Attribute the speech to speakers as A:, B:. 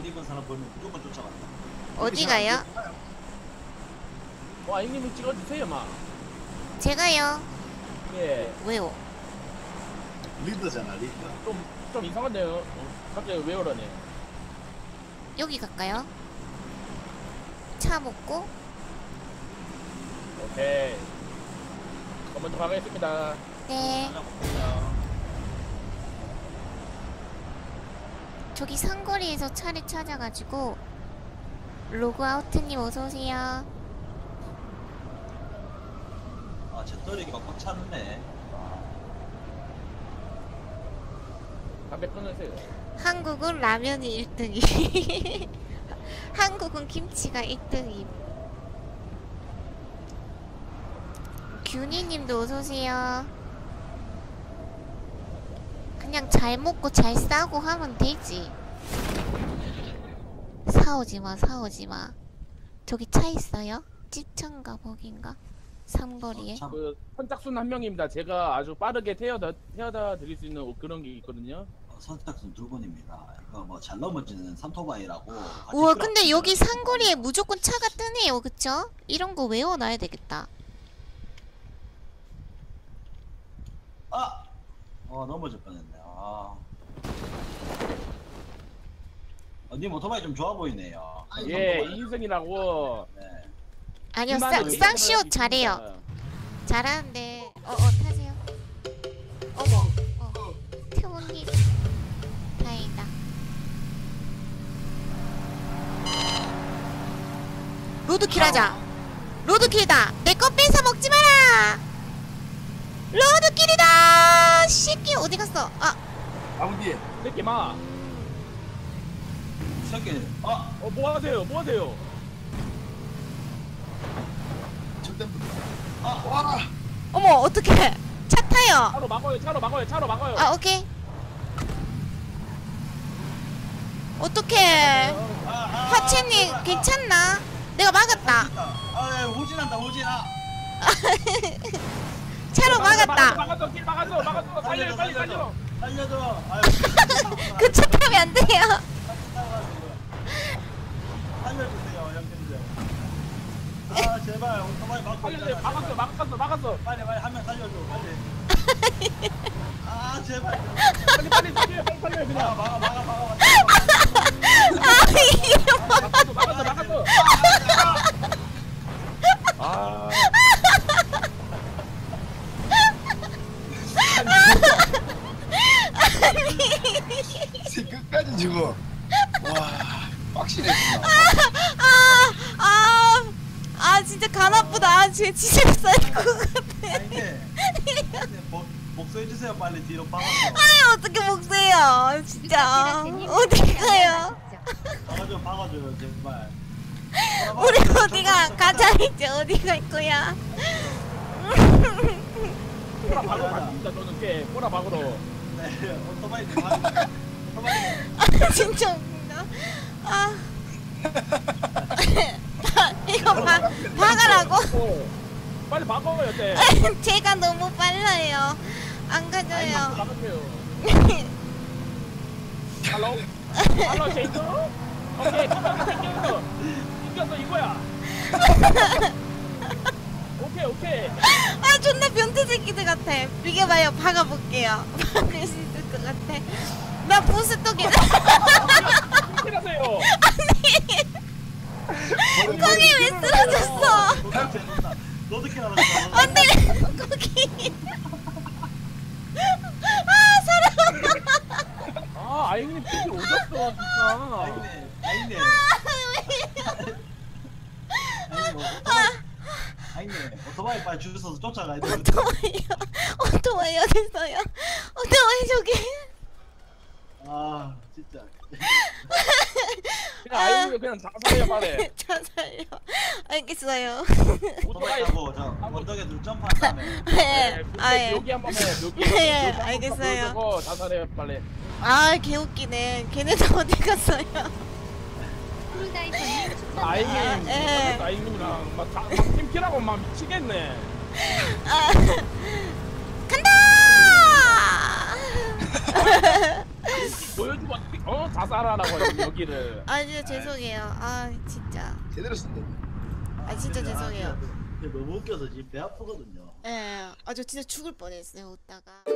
A: 옷 입은 사람 보면 무조건 쫓아간다.
B: 어디 가요?
C: 와, 형님이 찍어주세요, 마.
B: 제가요?
C: 예.
B: 왜요?
A: 리더잖아, 리더.
C: 좀 이상한데요? 갑자기 왜 그러네?
B: 여기 갈까요? 차 먹고?
C: 오케이. 먼저 가겠습니다.
B: 네. 저기 상거리에서 차를 찾아가지고 로그아웃님 어서오세요.
A: 아, 제 떨리기가 꽉 찼네.
C: 담배 끊으세요.
B: 한국은 라면이 1등이 한국은 김치가 1등임. 균이님도 어서오세요. 그냥 잘 먹고 잘 싸고 하면 되지. 사오지마 사오지마. 저기 차 있어요? 집차인가 거긴가? 삼거리에.
C: 그 선착순 한 명입니다. 제가 아주 빠르게 태워다 드릴 수 있는 그런 게 있거든요.
A: 선착순 두 분입니다. 이거 뭐 잘 넘어지는 삼토바이라고.
B: 우와 근데 여기 상거리에 무조건 차가 뜨네요. 그쵸? 이런 거 외워놔야 되겠다.
A: 아! 넘어질 뻔했네. 님 오토바이 좀 좋아 보이네요.
C: 예, 이인승이라고.
A: 네.
B: 아니요 쌍시옷 잘해요. 잘하는데 타세요. 어머 태훈님 다행이다. 로드킬 하자. 로드킬이다. 내 거 뺏어 먹지 마라. 로드킬이다. 새끼 어디 갔어?
A: 아버지.
C: 새끼 마.
A: 새끼.
C: 뭐 하세요? 뭐 하세요?
A: 와.
B: 어머 어떡해. 차 타요.
C: 차로 막아요. 차로 막아요.
B: 오케이. 어떡해. 하체님 괜찮나? 내가 막았다.
A: 후진한다, 후진아.
B: 차로 막았다.
C: 막았어. 길 막았어. 살려, 빨리 살려.
A: 살려줘.
B: 그 차 타면 안 돼요.
A: 살려주세요, 형님들. 제발 오토바이 막고
C: 살려주세요.
A: 있잖아.
C: 막았어.
A: 빨리 한 명 살려줘, 빨리. 제발.
C: 빨리 살려 그냥.
A: 막아.
B: 이게 뭐.
C: 막았어.
D: 끝까지 죽어. 와, 빡시네.
B: 진짜 간 아프다. 진짜 쌀것 같아.
A: 복수해주세요, 빨리 뒤로 박아서.
B: 어떻게 먹세요 진짜. 어디 가요?
A: 박아줘요, 제발.
B: 우리 어디가 가자. 이제 어디 갈 거야?
C: 꼬라 박으러 갑니다. 저는 꽤 꼬라 박으러.
A: 네, 오토바이
B: 진짜 웃긴다. 이거 박으라고?
C: 빨리 박아요, 쟤.
B: 제가 너무 빨라요. 안 가져요.
C: 박으세요. 할로 쉐이크? 오케이, 이겼어 이거야. 오케이.
B: 존나 변태 새끼들 같아. 비켜봐요. 박아볼게요. 박을 수 있을 것 같아. 나 보스톡이.
C: 하세요.
B: 거기 왜 쓰러졌어?
A: 너도 캐나다.
B: 안돼 거기. 사람.
C: 아이님 삐질 오졌어 진짜.
A: 아이네. 오토바이 빨리 줄 서서 쫓아가야 돼.
B: 오토바이 어딨어요? 오토바이 저기.
A: 진짜.
C: 그냥 아이님 그냥 자살해요 빨리.
B: 자살요. 알겠어요.
A: 오토바이 타고 저 언덕에 둘 점프한 다음에.
B: 예.
C: 여기 한번 해.
B: 예, 알겠어요.
C: 보여주고 자살해요 빨리.
B: 개웃기네. 걔네 다 어디 갔어요?
C: 아이님, 아이님이랑 막 팀키라고 막 미치겠네.
B: 간다!
C: 보여주고 자살하라고 하지 여기를.
B: 아 진짜 죄송해요. 아 진짜.
D: 제대로 쓴다.
B: 아 진짜 죄송해요.
A: 너무 웃겨서 지금 배 아프거든요.
B: 예. 아 저 진짜 죽을 뻔했어요 웃다가.